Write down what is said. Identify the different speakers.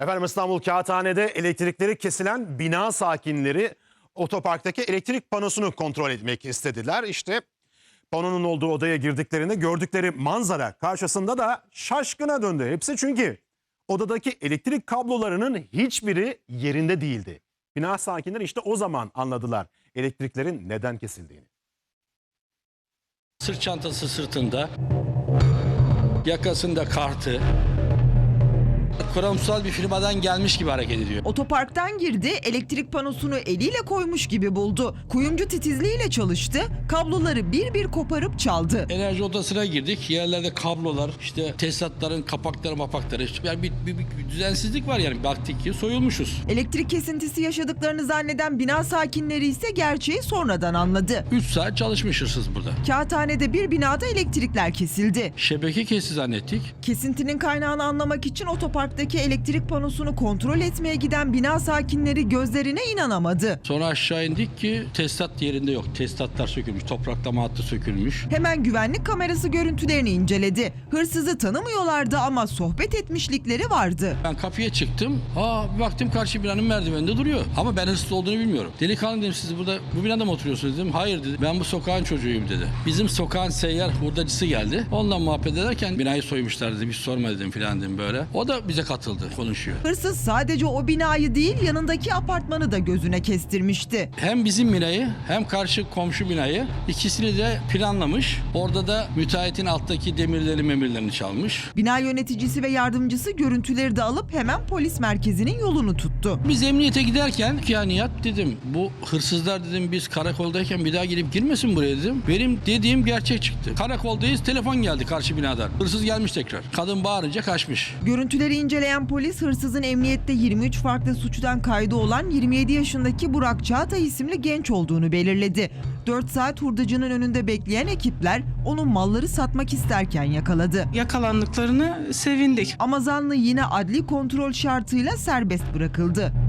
Speaker 1: Efendim İstanbul Kağıthane'de elektrikleri kesilen bina sakinleri otoparktaki elektrik panosunu kontrol etmek istediler. İşte panonun olduğu odaya girdiklerinde gördükleri manzara karşısında da şaşkına döndü hepsi, çünkü odadaki elektrik kablolarının hiçbiri yerinde değildi. Bina sakinleri işte o zaman anladılar elektriklerin neden kesildiğini.
Speaker 2: Sırt çantası sırtında, yakasında kartı, kurumsal bir firmadan gelmiş gibi hareket ediyor.
Speaker 3: Otoparktan girdi, elektrik panosunu eliyle koymuş gibi buldu. Kuyumcu titizliğiyle çalıştı, kabloları bir bir koparıp çaldı.
Speaker 2: Enerji odasına girdik. Yerlerde kablolar, işte tesisatların kapakları mapakları. Yani bir düzensizlik var yani. Baktık ki soyulmuşuz.
Speaker 3: Elektrik kesintisi yaşadıklarını zanneden bina sakinleri ise gerçeği sonradan anladı.
Speaker 2: 3 saat çalışmış hırsız burada.
Speaker 3: Kağıthane'de bir binada elektrikler kesildi.
Speaker 2: Şebeke kesti zannettik.
Speaker 3: Kesintinin kaynağını anlamak için otoparktaki elektrik panosunu kontrol etmeye giden bina sakinleri gözlerine inanamadı.
Speaker 2: Sonra aşağı indik ki tesisat yerinde yok. Tesisatlar sökülmüş. Topraklama hattı sökülmüş.
Speaker 3: Hemen güvenlik kamerası görüntülerini inceledi. Hırsızı tanımıyorlardı ama sohbet etmişlikleri vardı.
Speaker 2: Ben kapıya çıktım. Bir baktım karşı binanın merdiveninde duruyor. Ama ben hırsız olduğunu bilmiyorum. Delikanlı dedim, siz burada bu binada mı oturuyorsunuz dedim. Hayır dedi. Ben bu sokağın çocuğuyum dedi. Bizim sokağın seyyar hurdacısı geldi. Ondan muhabbet ederken binayı soymuşlar dedi. Hiç sorma dedim filan dedim böyle. O da bize katıldı, konuşuyor.
Speaker 3: Hırsız sadece o binayı değil, yanındaki apartmanı da gözüne kestirmişti.
Speaker 2: Hem bizim binayı hem karşı komşu binayı, ikisini de planlamış. Orada da müteahhitin alttaki demirlerini çalmış.
Speaker 3: Bina yöneticisi ve yardımcısı görüntüleri de alıp hemen polis merkezinin yolunu tuttu.
Speaker 2: Biz emniyete giderken ya Nihat dedim, bu hırsızlar dedim biz karakoldayken bir daha gelip girmesin buraya dedim. Benim dediğim gerçek çıktı. Karakoldayız, telefon geldi karşı binadan. Hırsız gelmiş tekrar. Kadın bağırınca kaçmış.
Speaker 3: Görüntüleri inceleyen polis, hırsızın emniyette 23 farklı suçtan kaydı olan 27 yaşındaki Burak Çağatay isimli genç olduğunu belirledi. 4 saat hurdacının önünde bekleyen ekipler onun malları satmak isterken yakaladı.
Speaker 4: Yakalandıklarını sevindik.
Speaker 3: Ama zanlı yine adli kontrol şartıyla serbest bırakıldı.